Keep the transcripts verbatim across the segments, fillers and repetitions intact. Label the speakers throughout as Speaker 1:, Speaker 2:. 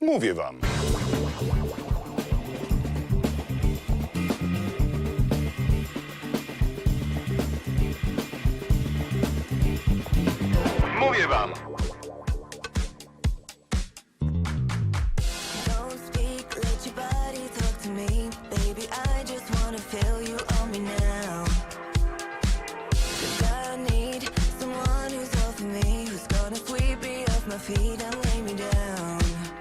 Speaker 1: Mówię wam. Mówię wam.
Speaker 2: Don't speak, let your body talk to me. Baby, I just wanna feel you on me now. 'Cause I need someone who's all for me, who's gonna sweep me off my feet and lay me down.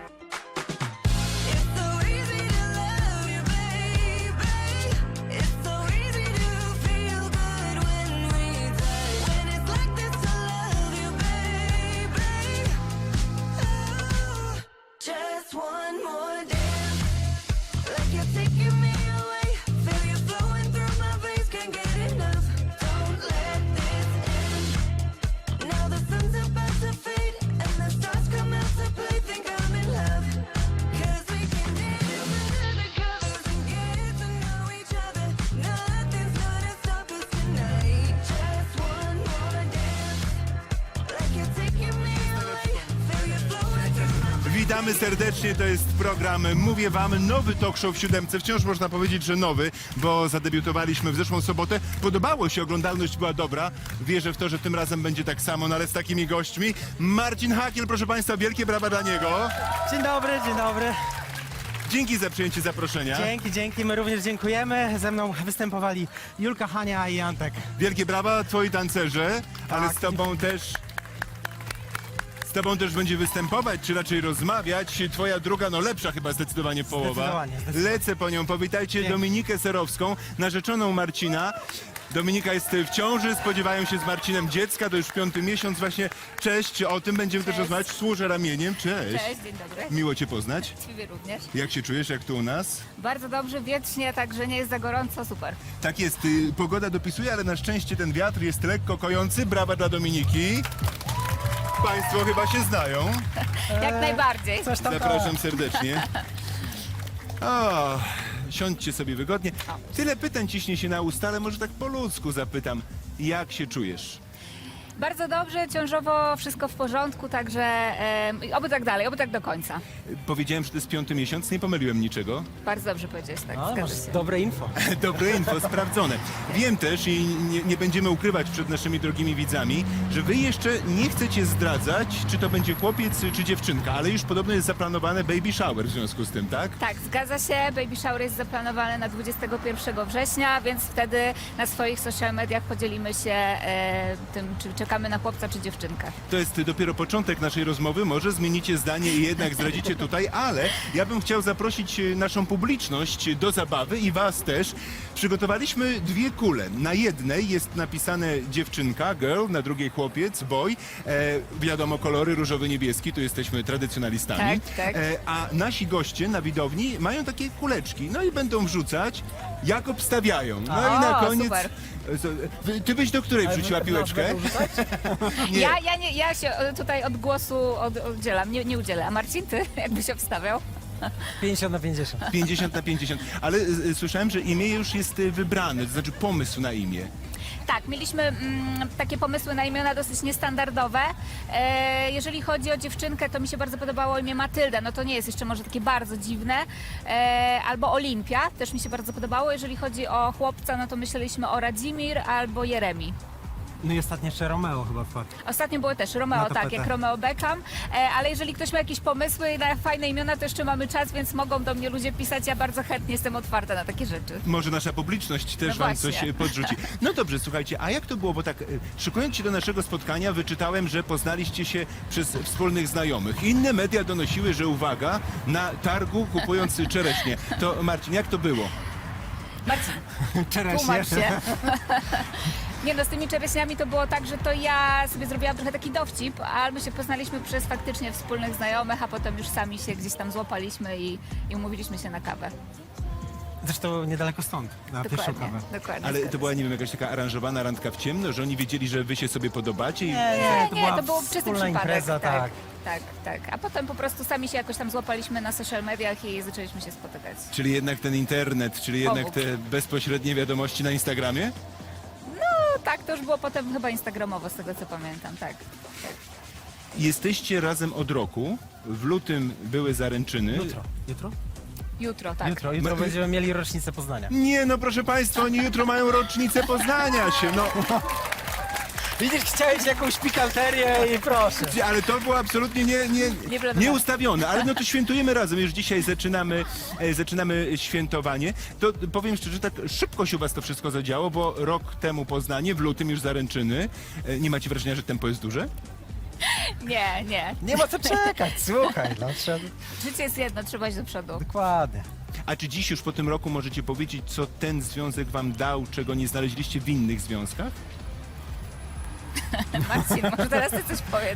Speaker 2: It's so easy to love you, baby. It's so easy to feel good when we touch. When it's like this, I love you, baby. Oh, just one more dance, like you're taking me away. Feel you flowing through my veins, can't get enough. Don't let this end. Now the sun's about to fade and the stars come out to play. Think I'm in love, 'cause we can dance under the covers and get to know each other. Nothing's gonna stop us tonight. Just one more dance, like you're taking me away. Feel you flowing through my veins.
Speaker 3: Witamy serdecznie, to jest program Mówię Wam, nowy talk show w siódemce. Wciąż można powiedzieć, że nowy, bo zadebiutowaliśmy w zeszłą sobotę. Podobało się, oglądalność była dobra. Wierzę w to, że tym razem będzie tak samo, no ale z takimi gośćmi. Marcin Hakiel, proszę Państwa, wielkie brawa dla niego.
Speaker 4: Dzień dobry, dzień dobry.
Speaker 3: Dzięki za przyjęcie zaproszenia.
Speaker 4: Dzięki, dzięki. My również dziękujemy. Ze mną występowali Julka, Hania i Antek.
Speaker 3: Wielkie brawa, twoi tancerze, ale
Speaker 4: Tak.
Speaker 3: z tobą też... Z tobą też będzie występować, czy raczej rozmawiać. Twoja druga, no lepsza chyba zdecydowanie połowa.
Speaker 4: Zdecydowanie, zdecydowanie.
Speaker 3: Lecę po nią. Powitajcie
Speaker 4: Dzięki.
Speaker 3: Dominikę Serowską, narzeczoną Marcina. Dominika jest w ciąży, spodziewają się z Marcinem dziecka, to już piąty miesiąc właśnie. Cześć, o tym będziemy też rozmawiać. Służę ramieniem, cześć.
Speaker 5: Cześć, dzień dobry.
Speaker 3: Miło cię poznać.
Speaker 5: Ciebie również.
Speaker 3: Jak się czujesz, jak tu u nas?
Speaker 5: Bardzo dobrze, wiecznie, także nie jest za gorąco, super.
Speaker 3: Tak jest, y, pogoda dopisuje, ale na szczęście ten wiatr jest lekko kojący. Brawa dla Dominiki. Państwo chyba się znają.
Speaker 5: Jak najbardziej.
Speaker 4: Coś tam
Speaker 3: Zapraszam serdecznie. O, siądźcie sobie wygodnie. Tyle pytań ciśnie się na usta, ale może tak po ludzku zapytam. Jak się czujesz?
Speaker 5: Bardzo dobrze, ciążowo wszystko w porządku, także e, oby tak dalej, oby tak do końca.
Speaker 3: Powiedziałem, że to jest piąty miesiąc, nie pomyliłem niczego.
Speaker 5: Bardzo dobrze powiedziałeś, tak,
Speaker 4: No, masz
Speaker 5: zgadza się.
Speaker 4: dobre info.
Speaker 3: Dobre info, sprawdzone. Wiem też i nie, nie będziemy ukrywać przed naszymi drogimi widzami, że wy jeszcze nie chcecie zdradzać, czy to będzie chłopiec, czy dziewczynka, ale już podobno jest zaplanowane baby shower w związku z tym, tak?
Speaker 5: Tak, zgadza się, baby shower jest zaplanowany na dwudziestego pierwszego września, więc wtedy na swoich social mediach podzielimy się e, tym, czy czekamy na chłopca, czy dziewczynkę.
Speaker 3: To jest dopiero początek naszej rozmowy, może zmienicie zdanie i jednak zdradzicie tutaj, ale ja bym chciał zaprosić e, naszą publiczność do zabawy i was też. Przygotowaliśmy dwie kule. Na jednej jest napisane dziewczynka, girl, na drugiej chłopiec, boy. E, wiadomo, kolory różowy, niebieski, tu jesteśmy tradycjonalistami.
Speaker 5: Tak, tak.
Speaker 3: E, a nasi goście na widowni mają takie kuleczki, no i będą wrzucać, jak obstawiają. No
Speaker 5: O,
Speaker 3: i na koniec...
Speaker 5: super.
Speaker 3: E, Ty byś do której wrzuciła piłeczkę? Nie.
Speaker 5: Ja, ja, nie, ja się e, tutaj od głosu od, oddzielam, nie, nie udzielę. A Marcin, ty jakbyś obstawiał?
Speaker 4: pięćdziesiąt na pięćdziesiąt.
Speaker 3: pięćdziesiąt na pięćdziesiąt. Ale y, słyszałem, że imię już jest y, wybrane, to znaczy pomysł na imię.
Speaker 5: Tak, mieliśmy mm, takie pomysły na imiona dosyć niestandardowe. E, jeżeli chodzi o dziewczynkę, to mi się bardzo podobało imię Matylda. No to nie jest jeszcze może takie bardzo dziwne. E, albo Olimpia, też mi się bardzo podobało. Jeżeli chodzi o chłopca, no to myśleliśmy o Radzimir albo Jeremi.
Speaker 4: No i ostatnio jeszcze Romeo chyba wpadł.
Speaker 5: Ostatnio były też Romeo,
Speaker 4: Na
Speaker 5: tak,
Speaker 4: tapetę.
Speaker 5: jak Romeo Beckham. E, ale jeżeli ktoś ma jakieś pomysły na fajne imiona, to jeszcze mamy czas, więc mogą do mnie ludzie pisać. Ja bardzo chętnie jestem otwarta na takie rzeczy.
Speaker 3: Może nasza publiczność też
Speaker 5: No
Speaker 3: wam
Speaker 5: właśnie.
Speaker 3: coś y, podrzuci. No dobrze, słuchajcie, a jak to było? Bo tak, y, szykując się do naszego spotkania, wyczytałem, że poznaliście się przez wspólnych znajomych. Inne media donosiły, że uwaga, na targu kupując czereśnie. To Marcin, jak to było?
Speaker 5: Marcin,
Speaker 4: Czereśnie.
Speaker 5: tłumacz się. Nie no, z tymi czereśniami to było tak, że to ja sobie zrobiłam trochę taki dowcip, ale my się poznaliśmy przez faktycznie wspólnych znajomych, a potem już sami się gdzieś tam złapaliśmy i, i umówiliśmy się na kawę.
Speaker 4: Zresztą niedaleko stąd, na pierwszą
Speaker 5: Dokładnie,
Speaker 4: kawę.
Speaker 5: dokładnie.
Speaker 3: Ale
Speaker 5: zgadza
Speaker 3: to była,
Speaker 5: się.
Speaker 3: nie wiem, jakaś taka aranżowana randka w ciemno, że oni wiedzieli, że wy się sobie podobacie i...
Speaker 4: Nie,
Speaker 5: Nie,
Speaker 4: to
Speaker 5: nie,
Speaker 4: była
Speaker 5: to był czysty
Speaker 4: wspólna
Speaker 5: przypadek.
Speaker 4: impreza, tak.
Speaker 5: tak, tak. A potem po prostu sami się jakoś tam złapaliśmy na social mediach i zaczęliśmy się spotykać.
Speaker 3: Czyli jednak ten internet, czyli jednak
Speaker 5: Pomógł.
Speaker 3: te bezpośrednie wiadomości na Instagramie?
Speaker 5: No tak, to już było potem chyba instagramowo, z tego co pamiętam, tak. tak.
Speaker 3: Jesteście razem od roku. W lutym były zaręczyny.
Speaker 4: Jutro. Jutro?
Speaker 5: Jutro, tak.
Speaker 4: Jutro, jutro
Speaker 3: My-
Speaker 4: będziemy mieli rocznicę Poznania.
Speaker 3: Nie, no proszę Państwa, oni jutro mają rocznicę Poznania się, no.
Speaker 4: Widzisz, chciałeś jakąś pikanterię i proszę.
Speaker 3: Ale to było absolutnie nie, nie,
Speaker 5: Nieprawda.
Speaker 3: nieustawione. Ale no to świętujemy razem. Już dzisiaj zaczynamy, e, zaczynamy świętowanie. To powiem szczerze, tak szybko się u Was to wszystko zadziało, bo rok temu Poznanie, w lutym już zaręczyny. E, Nie macie wrażenia, że tempo jest duże?
Speaker 5: Nie, nie.
Speaker 4: Nie ma co czekać, słuchaj. No, trzeba...
Speaker 5: Życie jest jedno, trzeba iść do przodu.
Speaker 4: Dokładnie.
Speaker 3: A czy dziś już po tym roku możecie powiedzieć, co ten związek Wam dał, czego nie znaleźliście w innych związkach?
Speaker 5: Marcin, może teraz ty coś powiedz.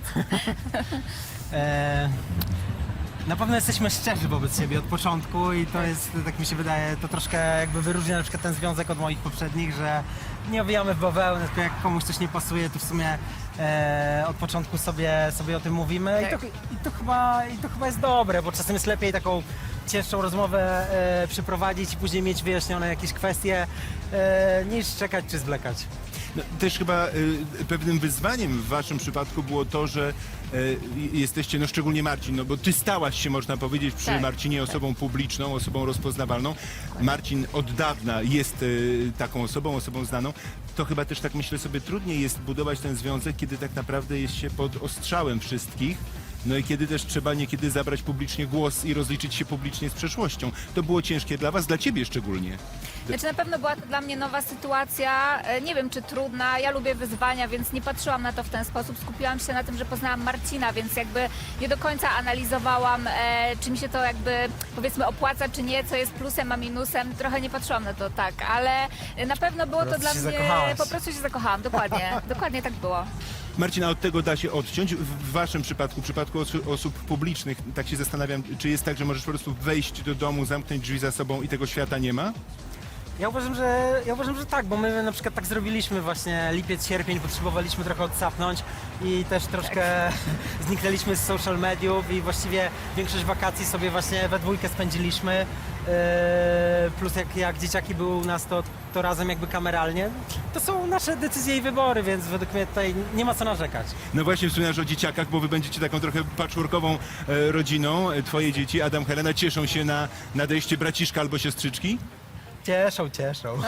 Speaker 4: E, na pewno jesteśmy szczerzy wobec siebie od początku i to jest, tak mi się wydaje, to troszkę jakby wyróżnia na przykład ten związek od moich poprzednich, że nie owijamy w bawełnę, tylko jak komuś coś nie pasuje, to w sumie e, od początku sobie, sobie o tym mówimy i,
Speaker 5: Tak.
Speaker 4: to, i, to chyba, i to chyba jest dobre, bo czasem jest lepiej taką cięższą rozmowę e, przeprowadzić i później mieć wyjaśnione jakieś kwestie, e, niż czekać czy zwlekać.
Speaker 3: No, też chyba y, pewnym wyzwaniem w waszym przypadku było to, że y, jesteście, no szczególnie Marcin, no bo ty stałaś się, można powiedzieć, przy
Speaker 5: Tak,
Speaker 3: Marcinie osobą publiczną, osobą rozpoznawalną. Marcin od dawna jest y, taką osobą, osobą znaną. To chyba też tak myślę sobie trudniej jest budować ten związek, kiedy tak naprawdę jest się pod ostrzałem wszystkich. No i kiedy też trzeba niekiedy zabrać publicznie głos i rozliczyć się publicznie z przeszłością. To było ciężkie dla was, dla ciebie szczególnie.
Speaker 5: Znaczy na pewno była to dla mnie nowa sytuacja, e, nie wiem czy trudna, ja lubię wyzwania, więc nie patrzyłam na to w ten sposób, skupiłam się na tym, że poznałam Marcina, więc jakby nie do końca analizowałam, e, czy mi się to jakby powiedzmy opłaca, czy nie, co jest plusem, a minusem, trochę nie patrzyłam na to tak, ale na pewno było
Speaker 4: Po
Speaker 5: to
Speaker 4: prostu
Speaker 5: dla
Speaker 4: się
Speaker 5: mnie,
Speaker 4: zakochałaś.
Speaker 5: po prostu się zakochałam, dokładnie, dokładnie tak było.
Speaker 3: Marcin, a od tego da się odciąć. W w waszym przypadku, w przypadku osu- osób publicznych, tak się zastanawiam, czy jest tak, że możesz po prostu wejść do domu, zamknąć drzwi za sobą i tego świata nie ma?
Speaker 4: Ja uważam, że, ja uważam, że tak, bo my na przykład tak zrobiliśmy właśnie lipiec, sierpień, potrzebowaliśmy trochę odsapnąć i też troszkę zniknęliśmy z social mediów i właściwie większość wakacji sobie właśnie we dwójkę spędziliśmy. Yy, plus jak, jak dzieciaki były u nas, to, to razem jakby kameralnie. To są nasze decyzje i wybory, więc według mnie tutaj nie ma co narzekać.
Speaker 3: No właśnie wspominasz o dzieciakach, bo wy będziecie taką trochę patchworkową e, rodziną. E, Twoje dzieci, Adam, Helena, cieszą się na nadejście braciszka albo siostrzyczki?
Speaker 4: Cieszą, cieszą.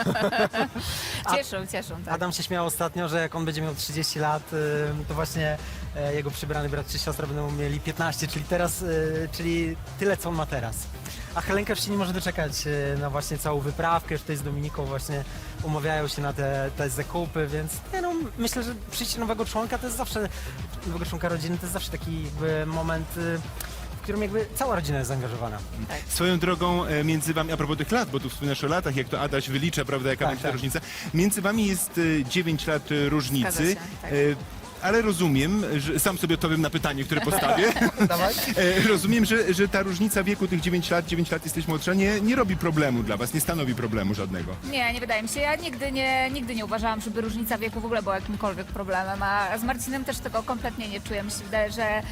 Speaker 4: A-
Speaker 5: Cieszą, cieszą, tak.
Speaker 4: Adam się śmiał ostatnio, że jak on będzie miał trzydzieści lat, y, to właśnie e, jego przybrany brat czy siostra będą mieli piętnaście, czyli teraz, y, czyli tyle co on ma teraz. A Helenka już się nie może doczekać y, na właśnie całą wyprawkę, już tutaj z Dominiką właśnie umawiają się na te, te zakupy, więc nie no, myślę, że przyjście nowego członka to jest zawsze, nowego członka rodziny to jest zawsze taki jakby moment, y, w którym jakby cała rodzina jest zaangażowana.
Speaker 3: Swoją drogą e, między wami, a propos tych lat, bo tu wspominasz o latach, jak to Adaś wylicza, prawda, jaka
Speaker 4: Tak,
Speaker 3: będzie ta
Speaker 4: tak.
Speaker 3: różnica. Między wami jest e, dziewięć lat e, różnicy.
Speaker 5: Zgadza się, tak.
Speaker 3: E, Ale rozumiem, że sam sobie odpowiem na pytanie, które postawię.
Speaker 4: Dawaj.
Speaker 3: E, Rozumiem, że, że ta różnica wieku tych dziewięć lat, dziewięć lat jesteś młodsza, nie, nie robi problemu dla was, nie stanowi problemu żadnego.
Speaker 5: Nie, nie wydaje mi się. Ja nigdy nie, nigdy nie uważałam, żeby różnica wieku w ogóle była jakimkolwiek problemem, a z Marcinem też tego kompletnie nie czuję. Mi się wydaje, że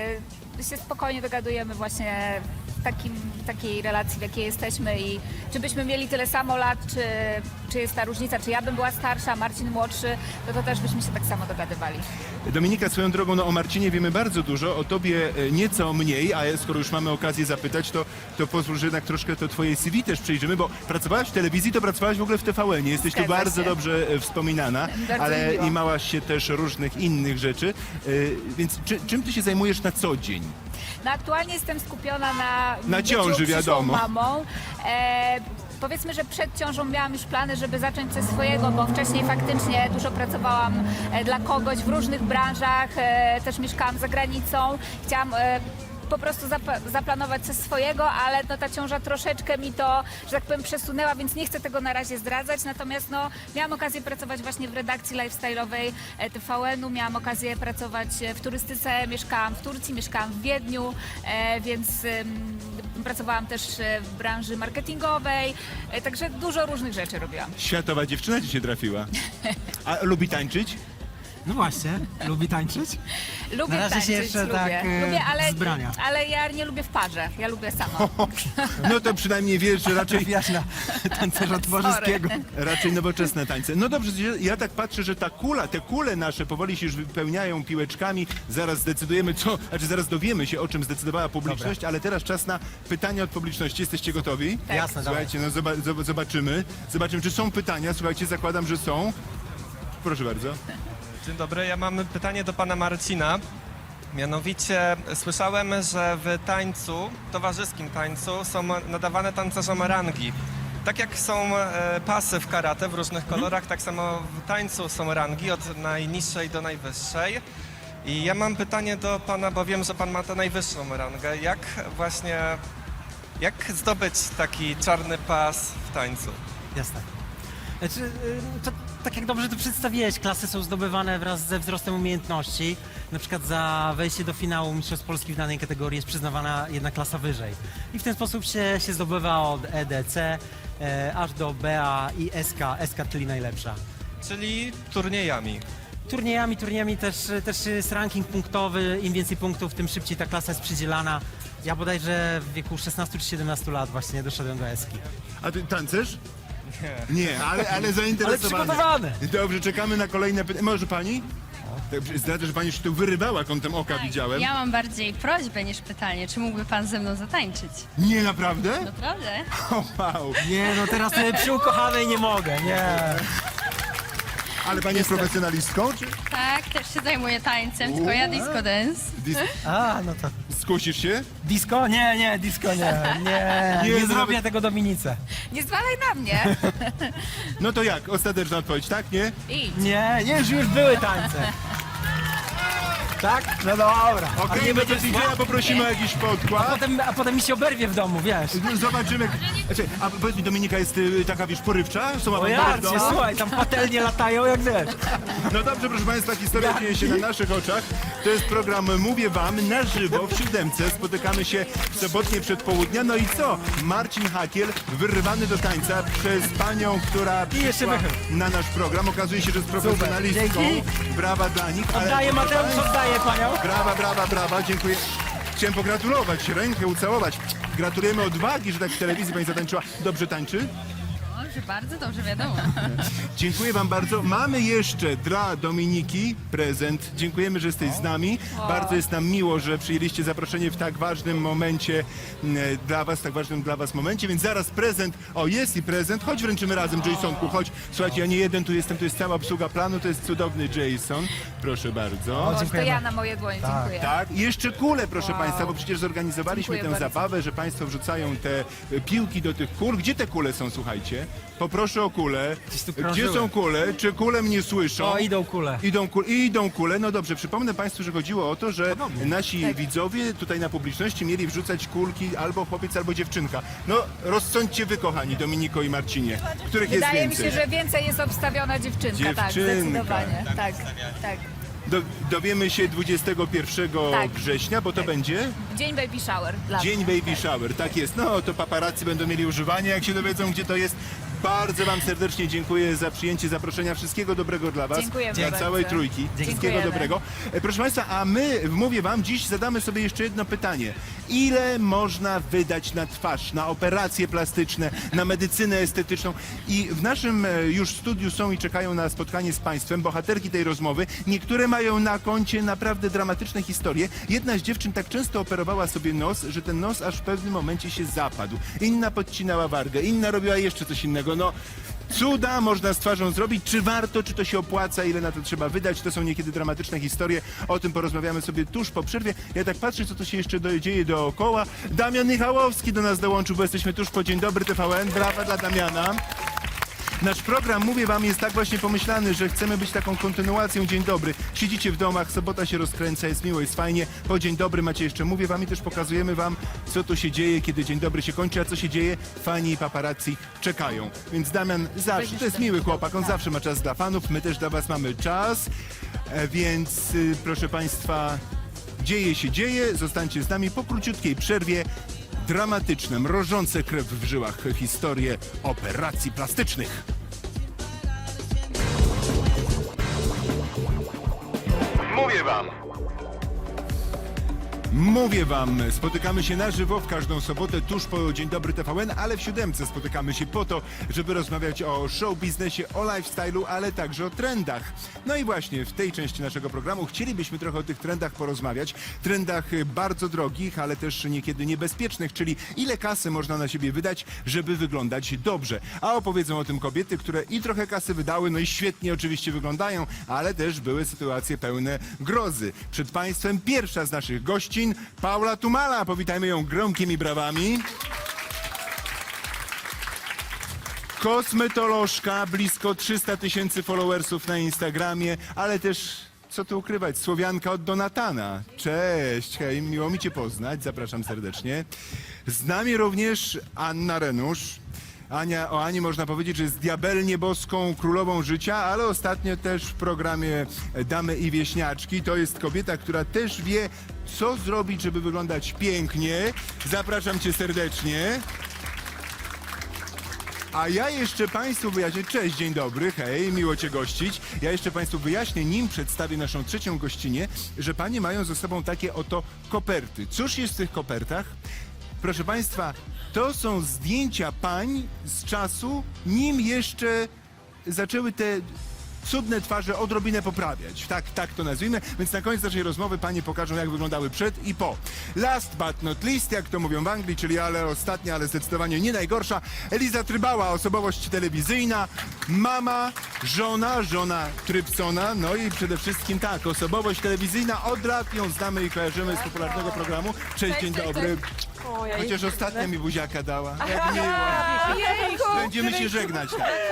Speaker 5: y, się spokojnie dogadujemy właśnie w takim, takiej relacji, w jakiej jesteśmy i czy byśmy mieli tyle samo lat, czy, czy jest ta różnica, czy ja bym była starsza, a Marcin młodszy, to, to też byśmy się tak samo dogadywali.
Speaker 3: Dominika, swoją drogą, no o Marcinie wiemy bardzo dużo, o tobie e, nieco mniej, a skoro już mamy okazję zapytać, to, to pozwól, że jednak troszkę to twoje C V też przejrzymy, bo pracowałaś w telewizji, to pracowałaś w ogóle w T V N. Jesteś tu
Speaker 5: Zgadza
Speaker 3: bardzo
Speaker 5: się.
Speaker 3: dobrze e, wspominana,
Speaker 5: Bardzo
Speaker 3: ale
Speaker 5: mi miło.
Speaker 3: imałaś się też różnych innych rzeczy. E, Więc czy, czym ty się zajmujesz na co dzień?
Speaker 5: No aktualnie jestem skupiona na
Speaker 3: Na
Speaker 5: byciu
Speaker 3: ciąży,
Speaker 5: przyszłą
Speaker 3: wiadomo.
Speaker 5: mamą. E, powiedzmy, że przed ciążą miałam już plany, żeby zacząć coś swojego, bo wcześniej faktycznie dużo pracowałam e, dla kogoś w różnych branżach, e, też mieszkałam za granicą. Chciałam e, po prostu zap- zaplanować coś swojego, ale no, ta ciąża troszeczkę mi to, że tak powiem, przesunęła, więc nie chcę tego na razie zdradzać. Natomiast no, miałam okazję pracować właśnie w redakcji lifestyle'owej e, T V N-u, miałam okazję pracować e, w turystyce, mieszkałam w Turcji, mieszkałam w Wiedniu, e, więc ym, pracowałam też e, w branży marketingowej, e, także dużo różnych rzeczy robiłam.
Speaker 3: Światowa dziewczyna ci się trafiła. A lubi tańczyć?
Speaker 4: No właśnie, lubi tańczyć?
Speaker 5: Lubię
Speaker 4: Na razie się
Speaker 5: tańczyć,
Speaker 4: jeszcze
Speaker 5: lubię.
Speaker 4: tak, e,
Speaker 5: lubię, ale,
Speaker 4: wzbrania.
Speaker 5: ale ja nie lubię w parze, ja lubię sama.
Speaker 3: No to przynajmniej wiesz, że raczej,
Speaker 4: Trafiasz na tancerza towarzyskiego.
Speaker 3: raczej nowoczesne tańce. No dobrze, ja tak patrzę, że ta kula, te kule nasze powoli się już wypełniają piłeczkami. Zaraz zdecydujemy, co, znaczy zaraz dowiemy się, o czym zdecydowała publiczność, ale teraz czas na pytania od publiczności. Jesteście gotowi?
Speaker 5: Tak.
Speaker 4: Jasne, dawaj.
Speaker 3: Słuchajcie, no zoba- zob- zobaczymy. Zobaczymy, czy są pytania. Słuchajcie, zakładam, że są. Proszę bardzo.
Speaker 1: Dzień dobry, ja mam pytanie do pana Marcina. Mianowicie słyszałem, że w tańcu, towarzyskim tańcu są nadawane tancerzom rangi. Tak jak są e, pasy w karate w różnych kolorach, tak samo w tańcu są rangi od najniższej do najwyższej. I ja mam pytanie do pana, bo wiem, że pan ma tę najwyższą rangę. Jak właśnie, jak zdobyć taki czarny pas w tańcu?
Speaker 4: Jasne. Znaczy, y, to, tak jak dobrze to przedstawiłeś, klasy są zdobywane wraz ze wzrostem umiejętności. Na przykład za wejście do finału Mistrzostw Polski w danej kategorii jest przyznawana jedna klasa wyżej. I w ten sposób się, się zdobywa od E D C e, aż do B A i S K, S K czyli najlepsza.
Speaker 1: Czyli turniejami.
Speaker 4: Turniejami, turniejami też, też jest ranking punktowy, im więcej punktów, tym szybciej ta klasa jest przydzielana. Ja bodajże w wieku szesnastu czy siedemnastu lat właśnie doszedłem do Eski.
Speaker 3: A ty tancerz? Nie. Nie, ale, ale
Speaker 4: Ale
Speaker 3: zainteresowany.
Speaker 4: przygotowany!
Speaker 3: Dobrze, czekamy na kolejne pytania. Może pani? Tak, zdradzę, że pani się tu wyrywała kątem oka,
Speaker 6: Tak,
Speaker 3: widziałem.
Speaker 6: ja mam bardziej prośbę niż pytanie. Czy mógłby pan ze mną zatańczyć?
Speaker 3: Nie, naprawdę?
Speaker 6: Naprawdę?
Speaker 3: O, wow.
Speaker 4: Nie, no teraz y, przy ukochanej nie mogę, nie.
Speaker 3: Ale pani jest profesjonalistką? Czy
Speaker 6: Tak, też się zajmuję tańcem, tylko ja disco dance.
Speaker 3: dis-
Speaker 4: A, no to...
Speaker 3: skusisz się?
Speaker 4: Disco? Nie, nie, disco nie. Nie,
Speaker 3: Nie,
Speaker 4: nie,
Speaker 3: no
Speaker 4: zrobię
Speaker 3: nawet-
Speaker 4: tego Dominice.
Speaker 5: Nie zwalaj na mnie.
Speaker 3: No to jak? Ostateczna odpowiedź, tak? Nie?
Speaker 5: Idź.
Speaker 4: Nie, nie, już, już były tańce. Tak? No dobra. A
Speaker 3: Okej,
Speaker 4: nie
Speaker 3: no to
Speaker 4: będzie
Speaker 3: D J poprosimy o jakiś
Speaker 4: a
Speaker 3: podkład.
Speaker 4: potem, a potem mi się oberwie w domu, wiesz.
Speaker 3: Zobaczymy. Znaczy, a powiedz mi, Dominika jest y, taka, wiesz, porywcza? Są
Speaker 4: O
Speaker 3: awangardą?
Speaker 4: jarcie, słuchaj, tam patelnie latają jak wiesz.
Speaker 3: No dobrze, proszę Państwa, historia dzieje się na naszych oczach. To jest program Mówię Wam na żywo w Siódemce. Spotykamy się w sobotnie przedpołudnia. No i co? Marcin Hakiel wyrywany do tańca przez panią, która
Speaker 4: I jeszcze
Speaker 3: przyszła
Speaker 4: wychyl.
Speaker 3: na nasz program. Okazuje się, że jest profesjonalistką.
Speaker 4: Dzięki.
Speaker 3: Brawa dla nich. ale
Speaker 4: Oddaję
Speaker 3: proszę
Speaker 4: Mateusz,
Speaker 3: państwa,
Speaker 4: oddaję panią.
Speaker 3: Brawa, brawa, brawa, dziękuję. Chciałem pogratulować, rękę ucałować. Gratulujemy odwagi, że tak w telewizji pani zatańczyła. Dobrze tańczy?
Speaker 6: Dobrze, bardzo dobrze, wiadomo.
Speaker 3: Dziękuję wam bardzo. Mamy jeszcze dla Dominiki prezent. Dziękujemy, że jesteś z nami. Bardzo jest nam miło, że przyjęliście zaproszenie w tak ważnym momencie m, dla was, tak ważnym dla was momencie, więc zaraz prezent. O, jest i prezent. Chodź, wręczymy razem, Jasonku, chodź. Słuchajcie, ja nie jeden tu jestem, tu jest cała obsługa planu, to jest cudowny Jason. Proszę bardzo.
Speaker 5: O, to
Speaker 4: dziękujemy.
Speaker 5: ja na moje dłonie, dziękuję.
Speaker 3: Tak, i jeszcze kule, proszę
Speaker 5: Wow.
Speaker 3: Państwa, bo przecież zorganizowaliśmy
Speaker 5: Dziękuję
Speaker 3: tę
Speaker 5: bardzo.
Speaker 3: zabawę, że Państwo wrzucają te e, piłki do tych kul. Gdzie te kule są, słuchajcie? Poproszę o kule.
Speaker 4: Gdzieś tu
Speaker 3: Gdzie
Speaker 4: krążyły.
Speaker 3: są kule? Czy kule mnie słyszą?
Speaker 4: O, idą kule.
Speaker 3: Idą kule. Idą kule. No dobrze, przypomnę Państwu, że chodziło o to, że nasi
Speaker 5: Tak.
Speaker 3: widzowie tutaj na publiczności mieli wrzucać kulki albo chłopiec, albo dziewczynka. No, rozsądźcie wy, kochani, Dominiko i Marcinie. Których jest
Speaker 5: Wydaje mi
Speaker 3: więcej?
Speaker 5: się, że więcej jest obstawiona dziewczynka, tak,
Speaker 3: Dziewczynka.
Speaker 5: zdecydowanie. Tak, tak.
Speaker 3: Do, dowiemy się dwudziestego pierwszego
Speaker 5: Tak.
Speaker 3: września, bo to będzie...
Speaker 5: Dzień baby shower dla
Speaker 3: Dzień
Speaker 5: mnie.
Speaker 3: baby shower, tak jest. No to paparazzi będą mieli używanie, jak się dowiedzą, gdzie to jest. Bardzo wam serdecznie dziękuję za przyjęcie zaproszenia. Wszystkiego dobrego dla was.
Speaker 5: Dziękujemy
Speaker 3: Dla
Speaker 5: bardzo.
Speaker 3: całej trójki. Wszystkiego
Speaker 5: Dziękujemy.
Speaker 3: dobrego. E, Proszę Państwa, a my, mówię wam, dziś zadamy sobie jeszcze jedno pytanie. Ile można wydać na twarz, na operacje plastyczne, na medycynę estetyczną? I w naszym e, już studiu są i czekają na spotkanie z Państwem bohaterki tej rozmowy. Niektóre mają na koncie naprawdę dramatyczne historie. Jedna z dziewczyn tak często operowała sobie nos, że ten nos aż w pewnym momencie się zapadł. Inna podcinała wargę, inna robiła jeszcze coś innego. No, cuda można z twarzą zrobić. Czy warto, czy to się opłaca, ile na to trzeba wydać? To są niekiedy dramatyczne historie. O tym porozmawiamy sobie tuż po przerwie. Ja tak patrzę, co to się jeszcze do, dzieje dookoła. Damian Michałowski do nas dołączył, bo jesteśmy tuż po Dzień Dobry T V N. Brawa dla Damiana. Nasz program, mówię wam, jest tak właśnie pomyślany, że chcemy być taką kontynuacją Dzień Dobry. Siedzicie w domach, sobota się rozkręca, jest miło, jest fajnie. Po Dzień Dobry macie jeszcze, mówię wam i też pokazujemy wam, co tu się dzieje, kiedy Dzień Dobry się kończy, a co się dzieje, fani i paparazzi czekają. Więc Damian zawsze, to jest miły chłopak, on zawsze ma czas dla fanów, my też dla was mamy czas. E, Więc y, proszę państwa, dzieje się dzieje, zostańcie z nami po króciutkiej przerwie. Dramatyczne, mrożące krew w żyłach historie operacji plastycznych. Mówię wam! Mówię wam, spotykamy się na żywo w każdą sobotę tuż po Dzień Dobry T V N, ale w siódemce spotykamy się po to, żeby rozmawiać o show biznesie, o lifestyle'u, ale także o trendach. No i właśnie w tej części naszego programu chcielibyśmy trochę o tych trendach porozmawiać. Trendach bardzo drogich, ale też niekiedy niebezpiecznych, czyli ile kasy można na siebie wydać, żeby wyglądać dobrze. A opowiedzą o tym kobiety, które i trochę kasy wydały, no i świetnie oczywiście wyglądają, ale też były sytuacje pełne grozy. Przed Państwem pierwsza z naszych gościń, Paula Tumala. Powitajmy ją gromkimi brawami. Kosmetolożka, blisko trzysta tysięcy followersów na Instagramie, ale też, co tu ukrywać, Słowianka od Donatana. Cześć, hej, miło mi Cię poznać, zapraszam serdecznie. Z nami również Anna Renusz. Ania, o Ani można powiedzieć, że jest diabelnie boską królową życia, ale ostatnio też w programie Damy i Wieśniaczki. To jest kobieta, która też wie, co zrobić, żeby wyglądać pięknie. Zapraszam Cię serdecznie. A ja jeszcze Państwu wyjaśnię, cześć, dzień dobry, hej, miło Cię gościć. Ja jeszcze Państwu wyjaśnię, nim przedstawię naszą trzecią gościnię, że Panie mają ze sobą takie oto koperty. Cóż jest w tych kopertach? Proszę Państwa, to są zdjęcia pań z czasu, nim jeszcze zaczęły te cudne twarze odrobinę poprawiać. Tak, tak to nazwijmy. Więc na koniec naszej rozmowy panie pokażą, jak wyglądały przed i po. Last but not least, jak to mówią w Anglii, czyli ale ostatnia, ale zdecydowanie nie najgorsza, Eliza Trybała, osobowość telewizyjna, mama, żona, żona Trypsona, no i przede wszystkim tak, osobowość telewizyjna, od lat ją znamy i kojarzymy z popularnego programu. Cześć, dzień dobry. Chociaż ostatnia mi buziaka dała. Jak miło. Będziemy się żegnać.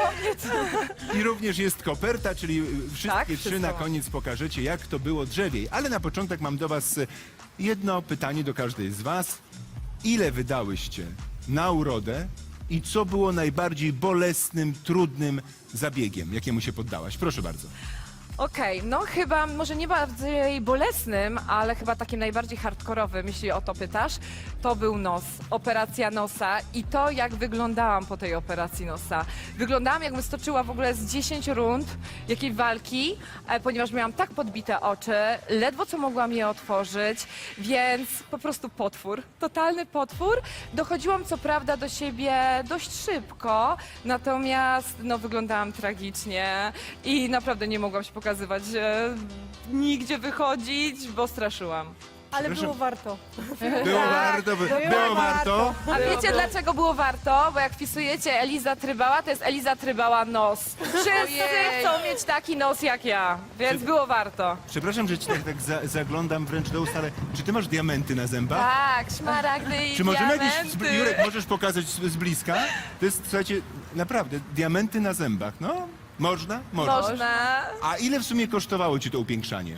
Speaker 3: Tak. I również jest koperta, czyli wszystkie
Speaker 7: Tak,
Speaker 3: trzy
Speaker 7: wszystko
Speaker 3: na
Speaker 7: mam.
Speaker 3: koniec pokażecie, jak to było drzewiej. Ale na początek mam do was jedno pytanie do każdej z was. Ile wydałyście na urodę i co było najbardziej bolesnym, trudnym zabiegiem, jakiemu się poddałaś? Proszę bardzo.
Speaker 7: Okej, no chyba może nie bardziej bolesnym, ale chyba takim najbardziej hardkorowym, jeśli o to pytasz, to był nos, operacja nosa i to, jak wyglądałam po tej operacji nosa. Wyglądałam, jakbym stoczyła w ogóle z dziesięć rund jakiej walki, e, ponieważ miałam tak podbite oczy, ledwo co mogłam je otworzyć, więc po prostu potwór, totalny potwór. Dochodziłam co prawda do siebie dość szybko, natomiast no wyglądałam tragicznie i naprawdę nie mogłam się pokazywać, e, nigdzie wychodzić, bo straszyłam.
Speaker 8: Ale
Speaker 3: Przepraszam.
Speaker 8: było warto.
Speaker 3: Było warto, by- było warto.
Speaker 7: A wiecie dlaczego było warto? Bo jak wpisujecie Eliza Trybała, to jest Eliza Trybała nos. Wszyscy chcą mieć taki nos jak ja, więc było warto.
Speaker 3: Przepraszam, że ci tak, tak za, zaglądam wręcz do ust, ale czy ty masz diamenty na zębach?
Speaker 7: Tak, szmaragdy i
Speaker 3: Czy możemy jakieś,
Speaker 7: diamenty.
Speaker 3: Jurek, możesz pokazać z, z bliska? To jest, słuchajcie, naprawdę, diamenty na zębach, no? Można? Można.
Speaker 7: Można.
Speaker 3: A ile w sumie kosztowało ci to upiększanie?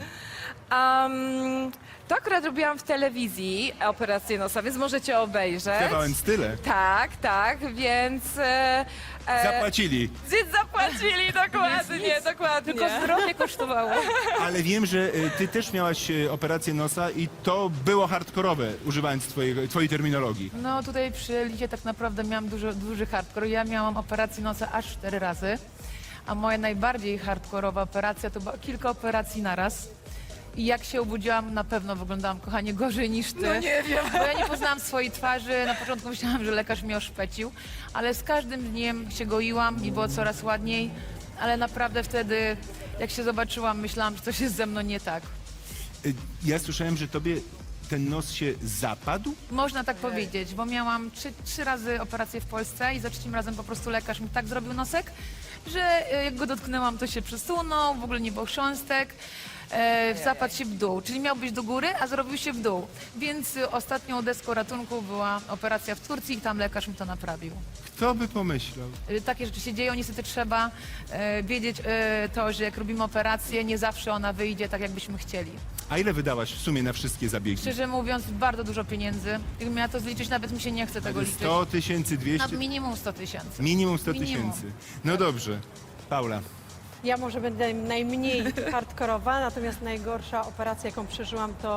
Speaker 7: Um, to akurat robiłam w telewizji operację nosa, więc możecie obejrzeć.
Speaker 3: T V N Style.
Speaker 7: Tak, tak, więc... E, e,
Speaker 3: Zapłacili.
Speaker 7: Więc zapłacili, dokładnie, dokładnie.
Speaker 8: Tylko zdrowie kosztowało.
Speaker 3: Ale wiem, że y, ty też miałaś y, operację nosa i to było hardkorowe, używając twojej, twojej terminologii.
Speaker 8: No tutaj przy Lidzie tak naprawdę miałam dużo, duży hardcore. Ja miałam operację nosa aż cztery razy, a moja najbardziej hardkorowa operacja to była kilka operacji naraz. I jak się obudziłam, na pewno wyglądałam, kochanie, gorzej niż ty. No nie wiem. Bo ja nie poznałam swojej twarzy. Na początku myślałam, że lekarz mnie oszpecił, ale z każdym dniem się goiłam i było coraz ładniej. Ale naprawdę wtedy, jak się zobaczyłam, myślałam, że coś jest ze mną nie tak.
Speaker 3: Y, ja słyszałem, że tobie ten nos się zapadł?
Speaker 8: Można tak powiedzieć, bo miałam trzy, trzy razy operację w Polsce i za trzecim razem po prostu lekarz mi tak zrobił nosek, że e, jak go dotknęłam, to się przesunął, w ogóle nie było chrząstek, e, zapadł się w dół, czyli miał być do góry, a zrobił się w dół. Więc e, ostatnią deską ratunku była operacja w Turcji i tam lekarz mi to naprawił.
Speaker 3: Kto by pomyślał?
Speaker 8: E, takie rzeczy się dzieją, niestety trzeba e, wiedzieć e, to, że jak robimy operację, nie zawsze ona wyjdzie tak, jakbyśmy chcieli.
Speaker 3: A ile wydałaś w sumie na wszystkie zabiegi?
Speaker 8: Szczerze mówiąc, bardzo dużo pieniędzy. Jakbym miała to zliczyć, nawet mi się nie chce tego liczyć.
Speaker 3: sto tysięcy
Speaker 8: Na
Speaker 3: dwieście?
Speaker 8: minimum sto tysięcy.
Speaker 3: Minimum sto
Speaker 8: Minimum.
Speaker 3: tysięcy. No dobrze. Paula.
Speaker 9: Ja może będę najmniej hardkorowa, natomiast najgorsza operacja, jaką przeżyłam, to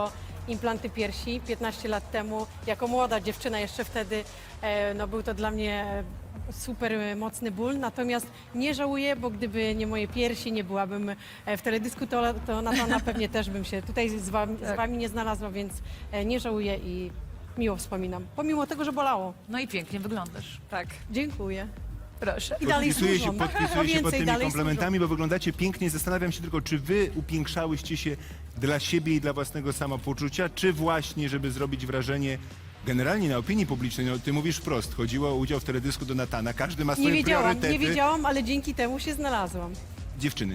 Speaker 9: implanty piersi piętnaście lat temu. Jako młoda dziewczyna jeszcze wtedy, e, no był to dla mnie e, super e, mocny ból. Natomiast nie żałuję, bo gdyby nie moje piersi, nie byłabym e, w teledysku, to, to na pewno pewnie też bym się tutaj z wami, z wami nie znalazła, więc e, nie żałuję i miło wspominam. Pomimo tego, że bolało.
Speaker 8: No i pięknie wyglądasz.
Speaker 7: Tak.
Speaker 9: Dziękuję.
Speaker 8: Proszę.
Speaker 9: I dalej
Speaker 3: Podpisuję się,
Speaker 9: służą.
Speaker 3: podpisuję
Speaker 9: Po
Speaker 3: się pod
Speaker 9: więcej,
Speaker 3: tymi
Speaker 9: dalej
Speaker 3: komplementami, bo wyglądacie pięknie. Zastanawiam się tylko, czy wy upiększałyście się dla siebie i dla własnego samopoczucia, czy właśnie, żeby zrobić wrażenie generalnie na opinii publicznej. No, ty mówisz wprost, chodziło o udział w teledysku do Natana. Każdy ma swoje
Speaker 9: Nie wiedziałam,
Speaker 3: priorytety.
Speaker 9: nie wiedziałam, ale dzięki temu się znalazłam.
Speaker 3: Dziewczyny.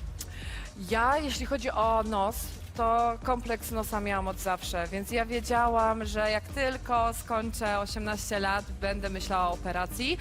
Speaker 7: Ja, jeśli chodzi o nos, to kompleks nosa miałam od zawsze, więc ja wiedziałam, że jak tylko skończę osiemnaście lat, będę myślała o operacji.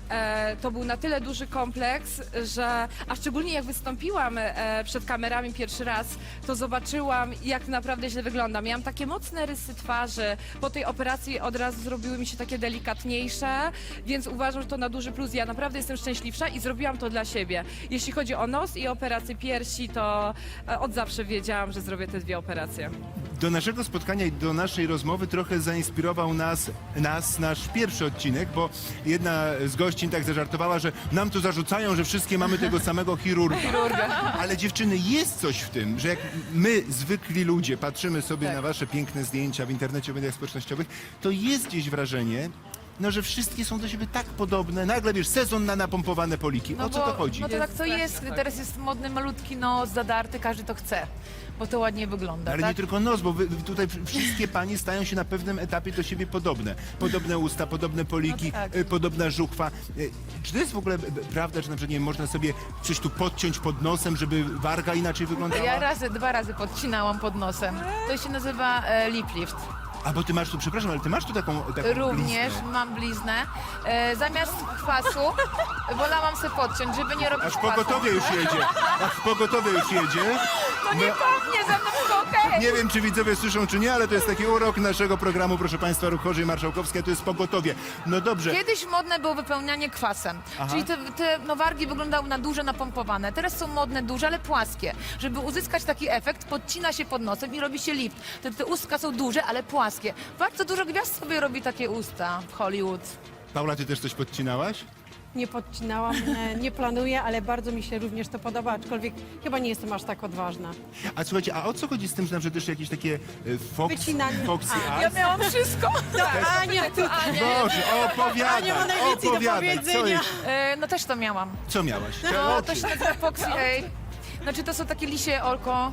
Speaker 7: E, to był na tyle duży kompleks, że, a szczególnie jak wystąpiłam e, przed kamerami pierwszy raz, to zobaczyłam, jak naprawdę źle wyglądam. Miałam takie mocne rysy twarzy, po tej operacji od razu zrobiły mi się takie delikatniejsze, więc uważam, że to na duży plus. Ja naprawdę jestem szczęśliwsza i zrobiłam to dla siebie. Jeśli chodzi o nos i operację piersi, to e, od zawsze wiedziałam, że zrobię te dwie operacje.
Speaker 3: Do naszego spotkania i do naszej rozmowy trochę zainspirował nas, nas nasz pierwszy odcinek, bo jedna z gościń tak zażartowała, że nam tu zarzucają, że wszystkie mamy tego samego chirurga. Ale dziewczyny, jest coś w tym, że jak my, zwykli ludzie, patrzymy sobie na wasze piękne zdjęcia w internecie, w mediach społecznościowych, to jest gdzieś wrażenie, no, że wszystkie są do siebie tak podobne. Nagle, wiesz, sezon na napompowane poliki. O co to chodzi?
Speaker 8: No to tak to jest. Teraz jest modny malutki nos, zadarty, każdy to chce, bo to ładnie wygląda,
Speaker 3: Ale
Speaker 8: tak?
Speaker 3: nie tylko nos, bo wy, tutaj wszystkie panie stają się na pewnym etapie do siebie podobne. Podobne usta, podobne poliki,
Speaker 8: No tak.
Speaker 3: y, podobna żuchwa. Y, Czy to jest w ogóle b- b- prawda, że na przykład nie wiem, można sobie coś tu podciąć pod nosem, żeby warga inaczej wyglądała?
Speaker 8: Ja razy, dwa razy podcinałam pod nosem. To się nazywa e, lip lift.
Speaker 3: A bo ty masz tu, przepraszam, ale ty masz tu taką, taką
Speaker 8: Również
Speaker 3: bliznę.
Speaker 8: mam bliznę. E, zamiast kwasu wolałam sobie podciąć, żeby nie robić
Speaker 3: Aż
Speaker 8: kwasu.
Speaker 3: pogotowie już jedzie. Aż pogotowie już jedzie.
Speaker 8: To nie
Speaker 3: No,
Speaker 8: pachnie, ze mną wszystko okej.
Speaker 3: nie wiem, czy widzowie słyszą, czy nie, ale to jest taki urok naszego programu, proszę państwa, Ruch Chorzy i Marszałkowskie, to jest pogotowie. No dobrze.
Speaker 8: Kiedyś modne było wypełnianie kwasem,
Speaker 3: Aha.
Speaker 8: czyli te, te no, wargi wyglądały na duże, napompowane. Teraz są modne, duże, ale płaskie. Żeby uzyskać taki efekt, podcina się pod nosem i robi się lift. Te, te ustka są duże, ale płaskie. Bardzo dużo gwiazd sobie robi takie usta w Hollywood.
Speaker 3: Paula, ty też coś podcinałaś?
Speaker 9: Nie podcinałam, e, nie planuję, ale bardzo mi się również to podoba, aczkolwiek chyba nie jestem aż tak odważna.
Speaker 3: A słuchajcie, a o co chodzi z tym, że na przykład też jakieś takie y, fox,
Speaker 9: Wycinanie.
Speaker 3: foxy
Speaker 9: A,
Speaker 3: eyes?
Speaker 8: miałam wszystko.
Speaker 9: Ania, tu,
Speaker 3: Boże, opowiadaj,
Speaker 9: Ania ma najwięcej do
Speaker 3: opowiadaj, co,
Speaker 9: powiedzenia.
Speaker 3: jest,
Speaker 8: E, no też to miałam.
Speaker 3: co miałaś? Te
Speaker 8: No,
Speaker 3: oczy.
Speaker 8: to się nazywa Foxy Eye. Znaczy to są takie lisie oko.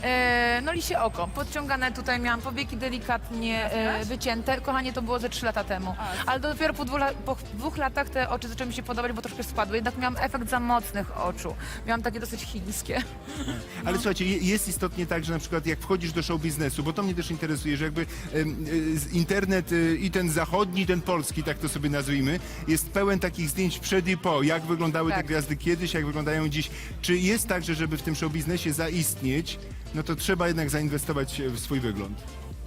Speaker 8: E, no lisie oko. Podciągane tutaj miałam powieki delikatnie e, wycięte. Kochanie, to było ze trzy lata temu. Ale dopiero po dwóch, la- po dwóch latach te oczy zaczęły mi się podobać, bo troszkę spadły. Jednak miałam efekt za mocnych oczu. Miałam takie dosyć chińskie.
Speaker 3: Ale słuchajcie, je- jest istotnie tak, że na przykład jak wchodzisz do show biznesu, bo to mnie też interesuje, że jakby em, y, z- internet y, i ten zachodni, i ten polski, tak to sobie nazwijmy, jest pełen takich zdjęć przed i po, jak wyglądały te
Speaker 8: Tak.
Speaker 3: gwiazdy kiedyś, jak wyglądają dziś. Czy jest tak, że żeby w tym show biznesie zaistnieć, no to trzeba jednak zainwestować w swój wygląd?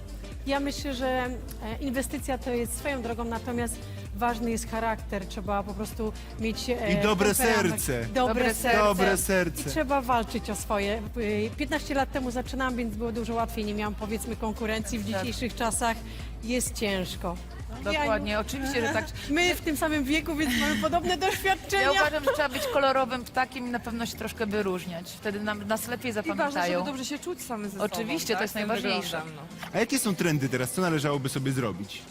Speaker 9: Ja myślę, że e, inwestycja to jest swoją drogą, natomiast ważny jest charakter. Trzeba po prostu mieć e,
Speaker 3: I dobre
Speaker 9: temperament.
Speaker 3: serce.
Speaker 9: Dobre,
Speaker 8: Dobre
Speaker 9: serce.
Speaker 3: Dobre
Speaker 9: I
Speaker 3: serce.
Speaker 9: trzeba walczyć o swoje. Y, piętnaście lat temu zaczynałam, więc było dużo łatwiej. Nie miałam, powiedzmy, konkurencji. W dzisiejszych czasach jest ciężko.
Speaker 8: Dokładnie, oczywiście, że tak.
Speaker 9: My w tym samym wieku, więc mamy podobne doświadczenia.
Speaker 8: Ja uważam, że trzeba być kolorowym ptakiem i na pewno się troszkę wyróżniać. Wtedy nam, nas lepiej
Speaker 7: I ważne,
Speaker 8: zapamiętają.
Speaker 7: żeby dobrze się czuć same ze sobą.
Speaker 8: Oczywiście, to
Speaker 7: tak?
Speaker 8: jest
Speaker 7: Z tym
Speaker 8: najważniejsze.
Speaker 7: wyglądem, no.
Speaker 3: A jakie są trendy teraz? Co należałoby sobie zrobić?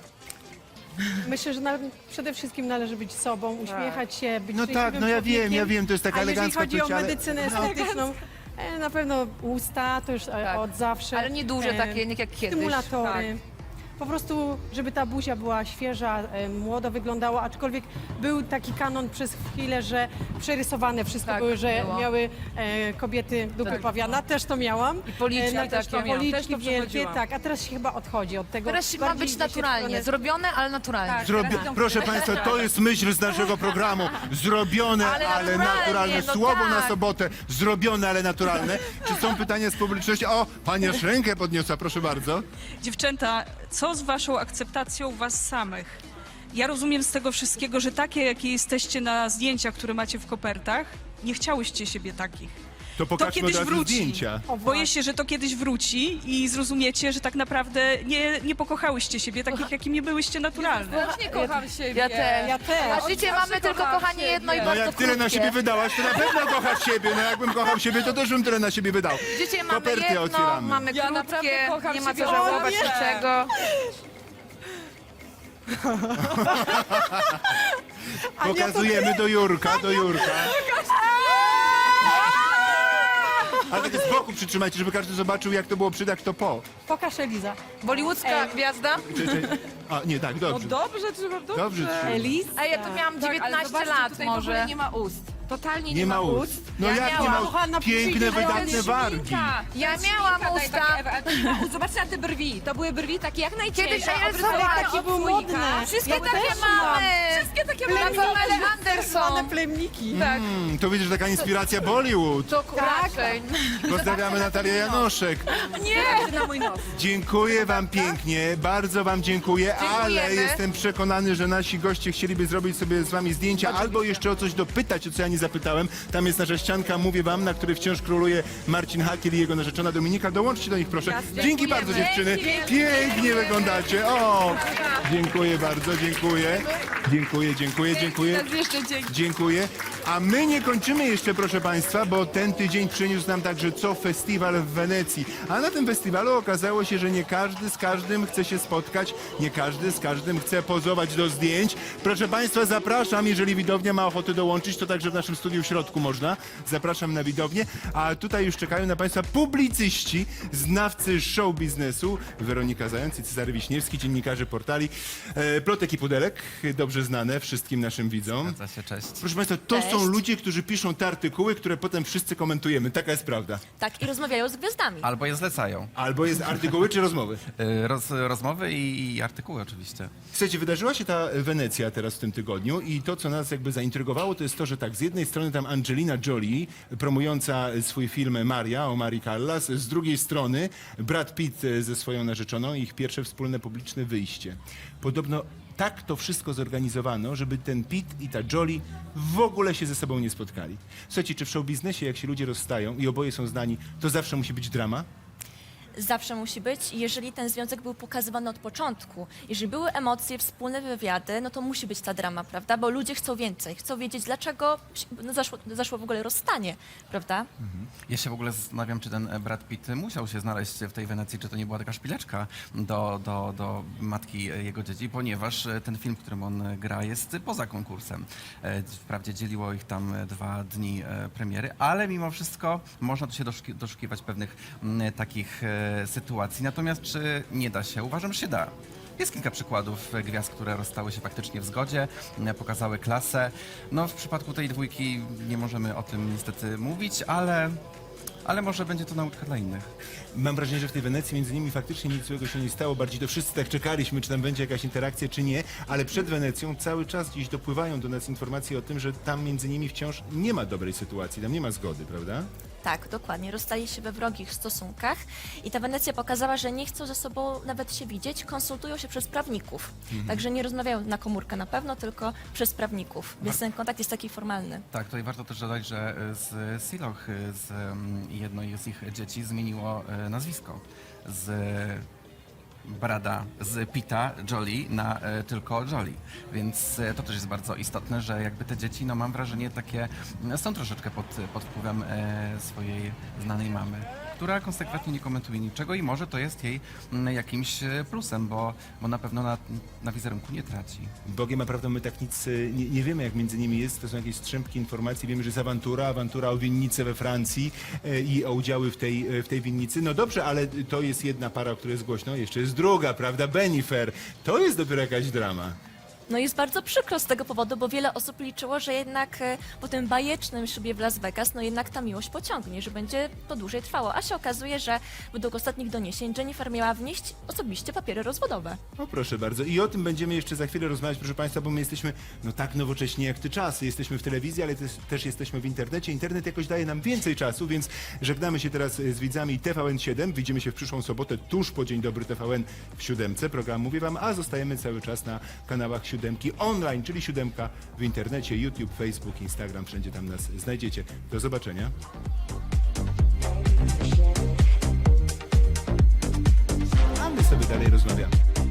Speaker 9: Myślę, że na, przede wszystkim należy być sobą, uśmiechać się, być
Speaker 3: No tak,
Speaker 9: szczęśliwym
Speaker 3: no ja wiem,
Speaker 9: człowiekiem.
Speaker 3: ja wiem, to jest taka
Speaker 9: A jeżeli
Speaker 3: elegancka
Speaker 9: chodzi o
Speaker 3: płeć, ale-
Speaker 9: medycynę
Speaker 3: no.
Speaker 9: estetyczną, e, na pewno usta, to już e,
Speaker 8: Tak.
Speaker 9: od zawsze.
Speaker 8: Ale nie duże
Speaker 9: E,
Speaker 8: takie, nie jak kiedyś.
Speaker 9: Stymulatory. Po prostu, żeby ta buzia była świeża, e, młodo wyglądała, aczkolwiek był taki kanon przez chwilę, że przerysowane wszystko
Speaker 8: Tak,
Speaker 9: były, że
Speaker 8: było.
Speaker 9: miały e, kobiety dupy
Speaker 8: Tak.
Speaker 9: pawiana, też to miałam.
Speaker 8: I policzki
Speaker 9: na-
Speaker 8: takie.
Speaker 7: to miałam, też
Speaker 9: Policzki
Speaker 7: to
Speaker 9: wielkie,
Speaker 7: przechodziłam.
Speaker 9: tak, a teraz się chyba odchodzi od tego.
Speaker 8: Teraz ma
Speaker 9: Bardziej
Speaker 8: być
Speaker 9: idzie się w
Speaker 8: naturalnie,
Speaker 9: stronę-
Speaker 8: zrobione, ale naturalnie.
Speaker 3: Zrobi... Proszę Państwa, to jest myśl z naszego programu. Zrobione, ale,
Speaker 8: Ale
Speaker 3: naturalne.
Speaker 8: naturalnie, no
Speaker 3: Słowo na
Speaker 8: tak.
Speaker 3: sobotę. Zrobione, ale naturalne. Czy są pytania z publiczności? O, pani aż rękę podniosła, proszę bardzo.
Speaker 10: Dziewczęta, co z waszą akceptacją was samych? Ja rozumiem z tego wszystkiego, że takie, jakie jesteście na zdjęciach, które macie w kopertach, nie chciałyście siebie takich.
Speaker 3: To pokażmy
Speaker 10: kiedyś
Speaker 3: od razu
Speaker 10: wróci.
Speaker 3: zdjęcia.
Speaker 10: Boję się, że to kiedyś wróci i zrozumiecie, że tak naprawdę nie, nie pokochałyście siebie takich, jakimi byłyście naturalne.
Speaker 7: Ja też nie kocham siebie.
Speaker 8: Ja też.
Speaker 9: Ja też.
Speaker 8: A życie mamy tylko, kochanie, jedno i
Speaker 3: No
Speaker 8: bardzo
Speaker 3: jak tyle na
Speaker 8: krótkie.
Speaker 3: siebie wydałaś, to na pewno kochasz siebie. No jakbym kochał siebie, to też bym tyle na siebie wydał.
Speaker 8: Życie mamy
Speaker 3: Koperty
Speaker 8: jedno,
Speaker 3: otwieramy.
Speaker 8: mamy
Speaker 7: Ja naprawdę
Speaker 8: krótkie,
Speaker 7: kocham
Speaker 8: nie ma
Speaker 7: siebie.
Speaker 8: co żałować
Speaker 7: O nie!
Speaker 8: niczego.
Speaker 3: Pokazujemy do Jurka, do Jurka. Ale tak z boku przytrzymajcie, żeby każdy zobaczył, jak to było przed, jak to po.
Speaker 9: Pokaż Eliza.
Speaker 8: Bollywoodzka gwiazda?
Speaker 3: Czy, czy... A, nie, tak,
Speaker 7: No
Speaker 3: dobrze.
Speaker 7: dobrze, trzeba dobrze.
Speaker 3: Dobrze, czy...
Speaker 9: Eliz?
Speaker 8: A ja tu miałam
Speaker 7: Tak, ale
Speaker 8: dziewiętnaście
Speaker 7: zobaczcie,
Speaker 8: lat
Speaker 7: tutaj w ogóle
Speaker 8: może.
Speaker 7: nie ma ust. Totalnie
Speaker 3: Nie ma ust. No
Speaker 8: Ja
Speaker 3: jak nie
Speaker 8: miałam.
Speaker 3: ma
Speaker 9: Kochana,
Speaker 3: ust? Piękne,
Speaker 9: przyjdzie, ale
Speaker 3: wydatne wargi.
Speaker 8: Ja miałam usta.
Speaker 7: Zobaczcie na te brwi. To były brwi takie jak najcieńsze.
Speaker 8: Kiedyś, ej,
Speaker 7: obrysowane
Speaker 8: zobacz,
Speaker 7: od
Speaker 9: taki był
Speaker 7: słoika.
Speaker 9: modny.
Speaker 8: Wszystkie
Speaker 9: Ja
Speaker 8: takie
Speaker 9: też mam.
Speaker 8: mamy.
Speaker 7: Wszystkie takie
Speaker 8: Na
Speaker 7: brwi.
Speaker 8: Pamela Anderson.
Speaker 9: One plemniki.
Speaker 3: Mm, to widzisz, taka inspiracja Bollywood.
Speaker 8: To raczej.
Speaker 3: Pozdrawiamy Natalię Janoszek.
Speaker 7: Nie! Na mój nos.
Speaker 3: Dziękuję wam pięknie, bardzo wam dziękuję, ale
Speaker 8: Dziękujemy.
Speaker 3: jestem przekonany, że nasi goście chcieliby zrobić sobie z wami zdjęcia albo jeszcze o coś dopytać, o co ja nie zapytałem. Tam jest nasza ścianka, mówię wam, na której wciąż króluje Marcin Hakiel i jego narzeczona Dominika. Dołączcie do nich, proszę. Dzięki bardzo, dziewczyny. Pięknie wyglądacie. O, dziękuję bardzo, dziękuję. Dziękuję, dziękuję, dziękuję. Dziękuję. A my nie kończymy jeszcze, proszę Państwa, bo ten tydzień przyniósł nam także co festiwal w Wenecji. A na tym festiwalu okazało się, że nie każdy z każdym chce się spotkać, nie każdy z każdym chce pozować do zdjęć. Proszę Państwa, zapraszam, jeżeli widownia ma ochotę dołączyć, to także w naszym studiu w środku można. Zapraszam na widownię. A tutaj już czekają na Państwa publicyści, znawcy show biznesu. Weronika Zając i Cezary Wiśniewski, dziennikarze portali e, Plotek i Pudelek, dobrze znane wszystkim naszym widzom.
Speaker 11: Zgadza się, cześć.
Speaker 3: Proszę Państwa, to są ludzie, którzy piszą te artykuły, które potem wszyscy komentujemy. Taka jest prawda.
Speaker 12: Tak, i rozmawiają z gwiazdami.
Speaker 11: Albo je zlecają.
Speaker 3: Albo jest artykuły czy rozmowy.
Speaker 11: Y, Roz, rozmowy i, i artykuły oczywiście.
Speaker 3: Słuchajcie, wydarzyła się ta Wenecja teraz w tym tygodniu i to, co nas jakby zaintrygowało, to jest to, że tak, z jednej strony tam Angelina Jolie, promująca swój film Maria o Marii Callas, z drugiej strony Brad Pitt ze swoją narzeczoną i ich pierwsze wspólne publiczne wyjście. Podobno tak to wszystko zorganizowano, żeby ten Pitt i ta Jolie w ogóle się ze sobą nie spotkali. Słuchajcie, czy w show biznesie, jak się ludzie rozstają i oboje są znani, to zawsze musi być drama?
Speaker 12: Zawsze musi być, jeżeli ten związek był pokazywany od początku. Jeżeli były emocje, wspólne wywiady, no to musi być ta drama, prawda? Bo ludzie chcą więcej, chcą wiedzieć, dlaczego no, zaszło, zaszło w ogóle rozstanie, prawda?
Speaker 11: Ja się w ogóle zastanawiam, czy ten Brad Pitt musiał się znaleźć w tej Wenecji, czy to nie była taka szpileczka do, do, do matki jego dzieci, ponieważ ten film, w którym on gra, jest poza konkursem. E, Wprawdzie dzieliło ich tam dwa dni e, premiery, ale mimo wszystko można tu się doszuki- doszukiwać pewnych m, takich e, sytuacji. Natomiast czy nie da się? Uważam, że się da. Jest kilka przykładów e, gwiazd, które rozstały się faktycznie w zgodzie, e, pokazały klasę. No w przypadku tej dwójki nie możemy o tym niestety mówić, ale, ale może będzie to nauka dla innych.
Speaker 3: Mam wrażenie, że w tej Wenecji między nimi faktycznie nic złego się nie stało. Bardziej to wszyscy tak czekaliśmy, czy tam będzie jakaś interakcja, czy nie. Ale przed Wenecją cały czas gdzieś dopływają do nas informacje o tym, że tam między nimi wciąż nie ma dobrej sytuacji, tam nie ma zgody, prawda?
Speaker 12: Tak, dokładnie. Rozstali się we wrogich stosunkach i ta Wenecja pokazała, że nie chcą ze sobą nawet się widzieć, konsultują się przez prawników. Także nie rozmawiają na komórkę na pewno, tylko przez prawników, więc ten kontakt jest taki formalny.
Speaker 11: Tak, tutaj warto też dodać, że z Siloch, z um, jednej z ich dzieci zmieniło e, nazwisko z Brada, z Pitta Jolie na e, tylko Jolie. Więc e, to też jest bardzo istotne, że jakby te dzieci, no mam wrażenie, takie m, są troszeczkę pod, pod wpływem e, swojej znanej mamy, która konsekwentnie nie komentuje niczego i może to jest jej m, jakimś e, plusem, bo, bo na pewno na, na wizerunku nie traci.
Speaker 3: Bogiem naprawdę my tak nic y, nie, nie wiemy, jak między nimi jest. To są jakieś strzępki informacji. Wiemy, że jest awantura, awantura o winnicę we Francji y, i o udziały w tej, y, w tej winnicy. No dobrze, ale to jest jedna para, o której jest głośno. Jeszcze jest druga, prawda? Benifer. To jest dopiero jakaś drama.
Speaker 12: No jest bardzo przykro z tego powodu, bo wiele osób liczyło, że jednak e, po tym bajecznym szybie w Las Vegas, no jednak ta miłość pociągnie, że będzie to dłużej trwało. A się okazuje, że według ostatnich doniesień Jennifer miała wnieść osobiście papiery rozwodowe.
Speaker 3: O proszę bardzo. I o tym będziemy jeszcze za chwilę rozmawiać, proszę Państwa, bo my jesteśmy no tak nowocześni jak te czasy. Jesteśmy w telewizji, ale też, też jesteśmy w internecie. Internet jakoś daje nam więcej czasu, więc żegnamy się teraz z widzami T V N siedem. Widzimy się w przyszłą sobotę, tuż po Dzień Dobry T V N w siódemce. Program mówię Wam, a zostajemy cały czas na kanałach siódemki online, czyli siódemka w internecie, YouTube, Facebook, Instagram, wszędzie tam nas znajdziecie. Do zobaczenia. A my sobie dalej rozmawiamy.